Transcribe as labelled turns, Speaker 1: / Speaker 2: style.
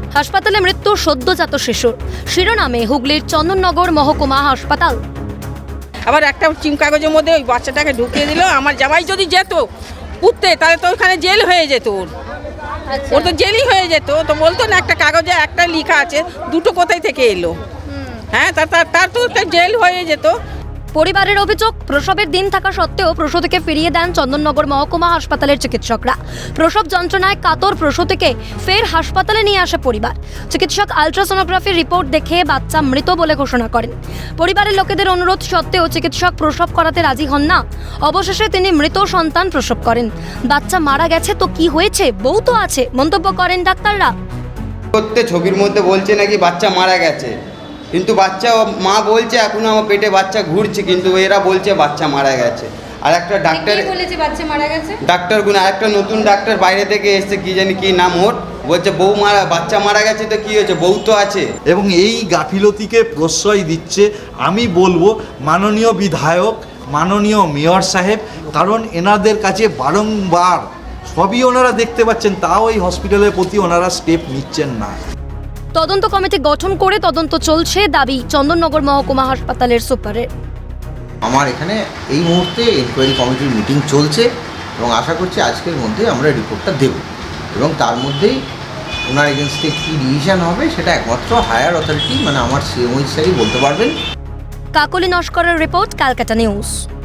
Speaker 1: হাসপাতালে মৃত্যু সদ্যজাত শিশুর, শিরোনামে হুগলির চন্দননগর মহকুমা হাসপাতাল।
Speaker 2: আবার একটা চিম কাগজের মধ্যে ওই বাচ্চাটাকে ঢুকিয়ে দিল। আমার জামাই যদি যেত পুঁততে তাহলে তো ওখানে জেল হয়ে যেত, ওর তো জেলই হয়ে যেত। তো বলতো না একটা কাগজে একটা লেখা আছে, দুটো কোথায় থেকে এলো, হ্যাঁ তার তো একটা জেল হয়ে যেত।
Speaker 1: পরিবারের অভিযোগ, প্রসবের দিন থাকা সত্ত্বেও প্রসূতিকে ফিরিয়ে দেন চন্দননগর মহকুমা হাসপাতালের চিকিৎসকরা। প্রসব যন্ত্রণায় কাতর প্রসূতিকে ফের হাসপাতালে নিয়ে আসে পরিবার। চিকিৎসক আলট্রাসোনোগ্রাফির রিপোর্ট দেখে বাচ্চা মৃত বলে ঘোষণা করেন। পরিবারের লোকেদের অনুরোধ সত্ত্বেও চিকিৎসক প্রসব করাতে রাজি হন না। অবশেষে তিনি মৃত সন্তান প্রসব করেন। বাচ্চা মারা গেছে তো কি হয়েছে, বউ তো আছে, মন্তব্য করেন ডাক্তাররা।
Speaker 3: ছবির মধ্যে বলছে নাকি বাচ্চা মারা গেছে, কিন্তু বাচ্চা মা বলছে এখনো আমার পেটে বাচ্চা ঘুরছে, কিন্তু এরা বলছে বাচ্চা মারা গেছে। আর একটা ডাক্তার
Speaker 1: বলেছে বাচ্চা মারা গেছে,
Speaker 3: ডাক্তারগুলো আরেকটা নতুন ডাক্তার বাইরে থেকে এসছে, কি জানি কি নাম ওর, বলছে বউ মারা বাচ্চা মারা গেছে তো কি হয়েছে, বউ তো আছে।
Speaker 4: এবং এই গাফিলতিকে প্রশ্রয় দিচ্ছে আমি বলবো মাননীয় বিধায়ক, মাননীয় মেয়র সাহেব, কারণ এনাদের কাছে বারংবার সবই ওনারা দেখতে পাচ্ছেন, তাও এই হসপিটালের প্রতি ওনারা স্টেপ নিচ্ছেন না।
Speaker 1: তদন্ত কমিটি গঠন করে তদন্ত চলছে, দাবি চন্দননগর মহকুমা হাসপাতালের সুপারের।
Speaker 5: আমার এখানে এই মুহূর্তে এনকোয়ারি কমিটির মিটিং চলছে এবং আশা করছি আজকের মধ্যে আমরা রিপোর্টটা দেব এবং তার মধ্যেই ওনার এগেনস্টে কী ডিসিশন হবে সেটা একমাত্র হায়ার অথরিটি মানে আমার সিএমও স্যারই বলতে পারবেন।
Speaker 1: কাকলি নস্করের রিপোর্ট, ক্যালকাটা নিউজ।